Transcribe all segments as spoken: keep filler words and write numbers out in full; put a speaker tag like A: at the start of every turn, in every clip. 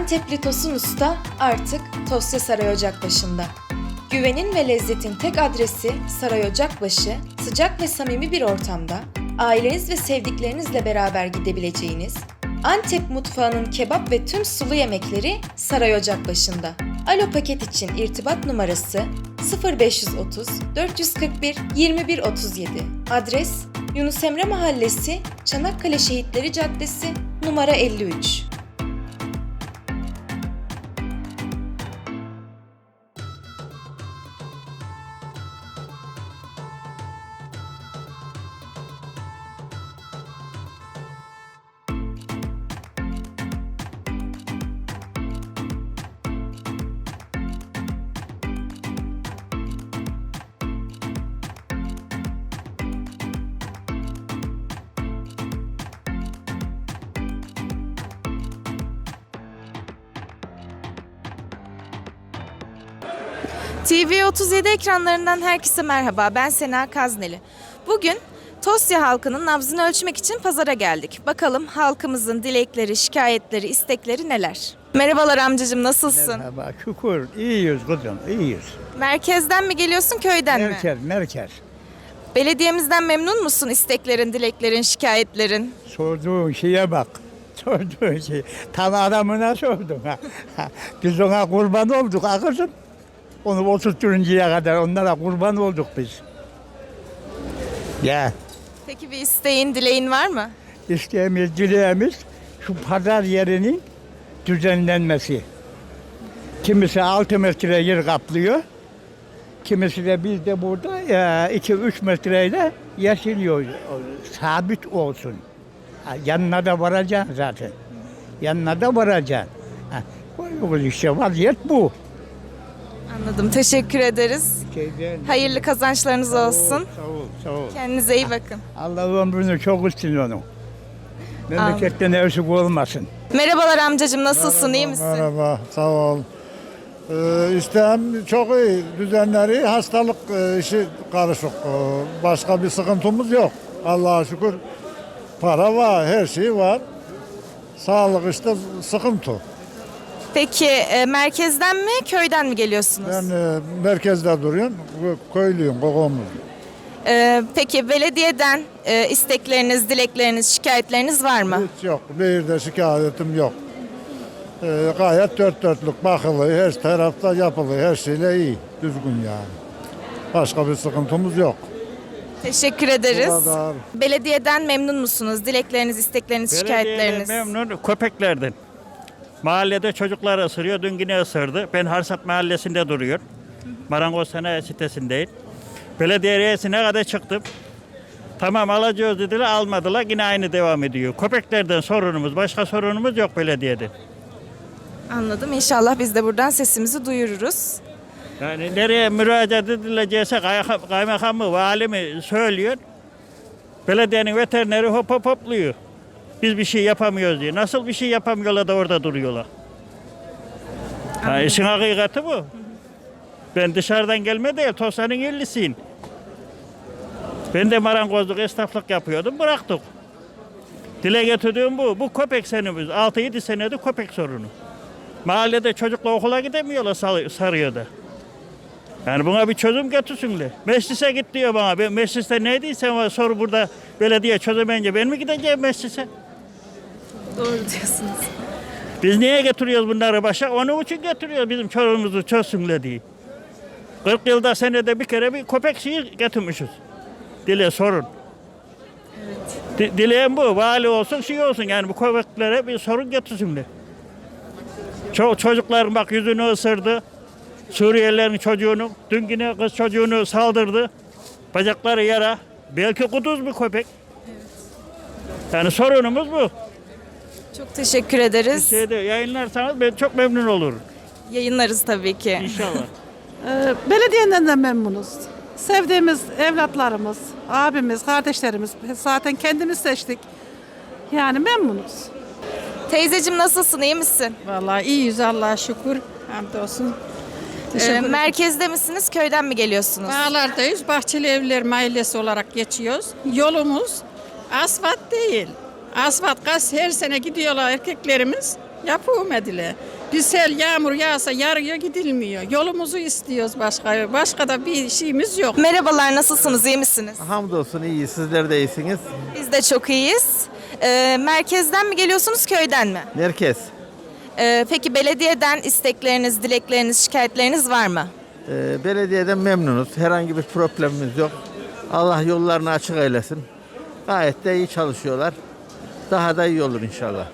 A: Antepli Tosun Usta artık Tosya Saray Ocakbaşı'nda. Güvenin ve lezzetin tek adresi Saray Ocakbaşı, sıcak ve samimi bir ortamda, aileniz ve sevdiklerinizle beraber gidebileceğiniz, Antep mutfağının kebap ve tüm sulu yemekleri Saray Ocakbaşı'nda. Alo paket için irtibat numarası sıfır beş otuz dört kırk bir yirmi bir otuz yedi. Adres Yunus Emre Mahallesi, Çanakkale Şehitleri Caddesi, numara elli üç.
B: T V otuz yedi ekranlarından herkese merhaba, ben Sena Kazneli. Bugün Tosya halkının nabzını ölçmek için pazara geldik. Bakalım halkımızın dilekleri, şikayetleri, istekleri neler? Merhabalar amcacığım, nasılsın?
C: Merhaba, şükür. İyiyiz kızım, iyiyiz.
B: Merkezden mi geliyorsun, köyden mi?
C: Merkez, merkez.
B: Belediyemizden memnun musun, isteklerin, dileklerin, şikayetlerin?
C: Sorduğun şeye bak. Sorduğun şey. Tam adamına sordun. Ha. Biz ona kurban olduk ha kızım. Onu oturtuncaya kadar onlara kurban olduk biz. Ya,
B: Peki bir isteğin, dileğin var mı?
C: isteğimiz, dileğimiz şu pazar yerinin düzenlenmesi. Kimisi altı metre yer kaplıyor. Kimisi de biz de burada iki üç metreyle yeşiliyor. Sabit olsun. Ha, yanına da varacaksın zaten. Yanına da varacaksın. Ha, bu işte vaziyet bu.
B: Anladım, teşekkür ederiz.
C: Şeyden,
B: Hayırlı kazançlarınız olsun.
C: Sağ ol, sağ ol.
B: Kendinize iyi bakın.
C: Allah ömrünü çok üstün onu. Memleketten eksik olmasın.
B: Merhabalar amcacığım, nasılsın, iyi misin?
D: Merhaba, sağ ol. Ee, İstem çok iyi. Düzenleri, hastalık e, işi karışık. Ee, başka bir sıkıntımız yok. Allah'a şükür para var, her şey var. Sağlık işte sıkıntı.
B: Peki e, merkezden mi, köyden mi geliyorsunuz?
D: Ben e, merkezde duruyorum, kö- köylüyüm, kokomluyum.
B: E, peki belediyeden e, istekleriniz, dilekleriniz, şikayetleriniz var mı?
D: Hiç yok, bir de şikayetim yok. Ee, gayet dört dörtlük bakılıyor, her tarafta yapılıyor, her şeyle iyi, düzgün yani. Başka bir sıkıntımız yok.
B: Teşekkür ederiz.
D: Bu kadar.
B: Belediyeden memnun musunuz? Dilekleriniz, istekleriniz, şikayetleriniz?
E: Belediyeden memnun köpeklerden. Mahallede çocuklar ısırıyor, dün yine ısırdı. Ben Harsat Mahallesi'nde duruyor. Marangoz Sanayi sitesindeyim. Belediye reisine kadar çıktım. Tamam alacağız dediler, almadılar. Yine aynı devam ediyor. Köpeklerden sorunumuz, başka sorunumuz yok belediyede.
B: Anladım. İnşallah biz de buradan sesimizi duyururuz.
E: Yani nereye müracaat edilecekse kay- kaymakamı, vali mi söylüyor. Belediyenin veterineri hop hop hopluyor. Biz bir şey yapamıyoruz diye. Nasıl bir şey yapamıyorlar da orada duruyorlar? Ha, işin hakikati bu. Ben dışarıdan gelme değil, Tosya'nın yerlisiyim. Ben de marangozluk, esnaflık yapıyordum, bıraktık. Dile getirdiğim bu. Bu köpek senemiz. altı yedi senedir köpek sorunu. Mahallede çocukla okula gidemiyorlar Sar- Sarıyer'de. Yani buna bir çözüm getirsinler. Meclise git diyor bana. Ben mecliste ne diysen soru burada belediye çözemeyince ben mi gideceğim meclise?
B: Doğru diyorsunuz.
E: Biz niye getiriyoruz bunları başa? Onun için getiriyoruz bizim çorumuzu çözsünler diye. kırk yılda senede bir kere bir köpek şeyi getirmişiz. Dile sorun. Evet. Di, dileğim bu. Vali olsun şey olsun yani bu köpeklere bir sorun getirsinler. Ço çocukların bak yüzünü ısırdı. Suriyelilerin çocuğunu, dün yine kız çocuğunu saldırdı. Bacakları yara. Belki kuduz bir köpek. Yani sorunumuz bu.
B: Çok teşekkür ederiz.
E: Şeyde yayınlarsanız ben çok memnun olurum.
B: Yayınlarız tabii ki.
E: İnşallah.
F: Ee, Belediyeden de memnunuz. Sevdiğimiz evlatlarımız, abimiz, kardeşlerimiz zaten kendimiz seçtik. Yani memnunuz.
B: Teyzeciğim nasılsın, iyi misin?
G: Vallahi iyiyiz Allah'a şükür. Hamdolsun.
B: Ee, merkezde misiniz, köyden mi geliyorsunuz?
G: Bağlardayız. Bahçeli Evler Mahallesi olarak geçiyoruz. Yolumuz asfalt değil. Asfalt gaz her sene gidiyorlar erkeklerimiz. Yapılmadılar. Bir sel yağmur yağsa yarıya gidilmiyor. Yolumuzu istiyoruz başka. Başka da bir şeyimiz yok.
B: Merhabalar, nasılsınız, iyi misiniz?
H: Hamdolsun iyi, sizler de iyisiniz.
B: Biz de çok iyiyiz. Ee, merkezden mi geliyorsunuz, köyden mi?
H: Merkez.
B: Ee, peki belediyeden istekleriniz, dilekleriniz, şikayetleriniz var mı?
H: Ee, belediyeden memnunuz. Herhangi bir problemimiz yok. Allah yollarını açık eylesin. Gayet de iyi çalışıyorlar. Daha da iyi olur inşallah.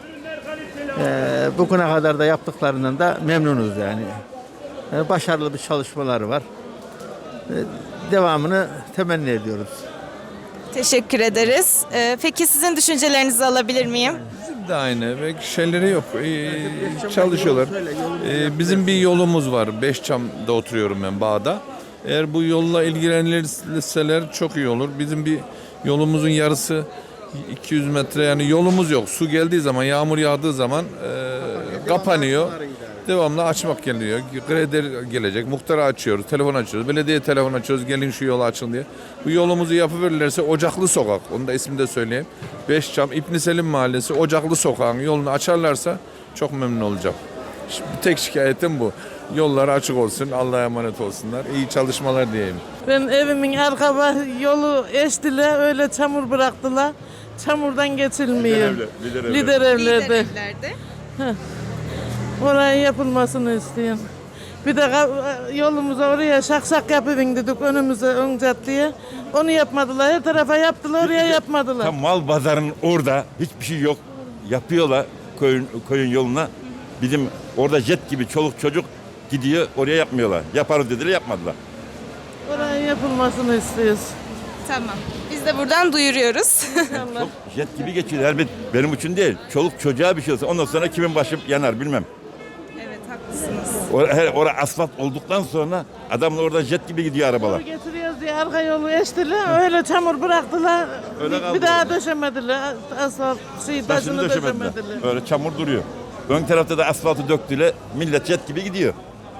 H: Ee, bugüne kadar da yaptıklarından da memnunuz yani. Ee, başarılı bir çalışmaları var. Ee, devamını temenni ediyoruz.
B: Teşekkür ederiz. Ee, peki sizin düşüncelerinizi alabilir miyim?
I: de aynı ve şeyleri yok. Ee, çalışıyorlar. Ee, bizim bir yolumuz var. Beşçam'da oturuyorum ben, Bağ'da. Eğer bu yolla ilgilenirseler çok iyi olur. Bizim bir yolumuzun yarısı iki yüz metre, yani yolumuz yok. Su geldiği zaman, yağmur yağdığı zaman e, kapanıyor. Devamlı açmak geliyor. Kredi gelecek. Muhtara açıyoruz. Telefon açıyoruz. Belediye telefon açıyoruz. Gelin şu yolu açın diye. Bu yolumuzu yapıverirlerse Ocaklı Sokak. Onu da ismini de söyleyeyim. Beşçam İbn Selim Mahallesi Ocaklı Sokak'ın yolunu açarlarsa çok memnun olacağım. Şimdi tek şikayetim bu. Yolları açık olsun. Allah'a emanet olsunlar. İyi çalışmalar diyeyim.
J: Ben evimin arka bah- yolu eştiler, öyle çamur bıraktılar. Çamurdan geçilmiyor.
I: Lider evler.
J: Lider evlerde.
B: evlerde.
J: Oraya yapılmasını istiyorum. Bir de ka- yolumuza oraya şakşak yapıvin dedik önümüze, ön caddeye. Onu yapmadılar. Her tarafa yaptılar, oraya yapmadılar.
K: Tam mal pazarının orada hiçbir şey yok. Yapıyorlar köyün, köyün yoluna. Bizim orada jet gibi çoluk çocuk gidiyor, oraya yapmıyorlar. Yaparız dediler, yapmadılar.
J: Oraya yapılmasını istiyoruz.
B: Tamam. Biz de buradan duyuruyoruz.
K: Çok jet gibi geçiyor. Her bir- benim için değil. Çoluk çocuğa bir şey olsa ondan sonra kimin başı yanar bilmem.
B: Evet, haklısınız.
K: Orada, her, orada asfalt olduktan sonra adamlar orada jet gibi gidiyor arabalar.
J: Yolu getiriyoruz diye arka yolu eştiler, öyle çamur bıraktılar.
K: Öyle
J: bir,
K: kaldı
J: bir daha
K: orada.
J: döşemediler. Asfalt şey,
K: Taşını
J: taşını
K: döşemediler.
J: döşemediler.
K: Öyle çamur duruyor. Ön tarafta da asfaltı döktüler. Millet jet gibi gidiyor.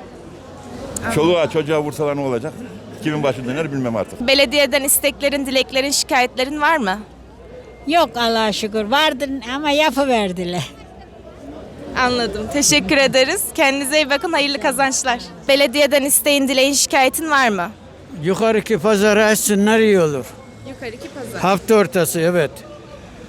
K: Çoluğa çocuğa vursalar ne olacak? Kimin başı döner bilmem artık.
B: Belediyeden isteklerin, dileklerin, şikayetlerin var mı?
L: Yok Allah'a şükür. Vardı ama yapıverdiler.
B: Anladım. Teşekkür ederiz. Kendinize iyi bakın. Hayırlı kazançlar. Belediyeden isteğin, dileğin, şikayetin var mı?
C: Yukarıki pazarı açsınlar iyi olur.
B: Yukarıki pazar.
C: Hafta ortası evet.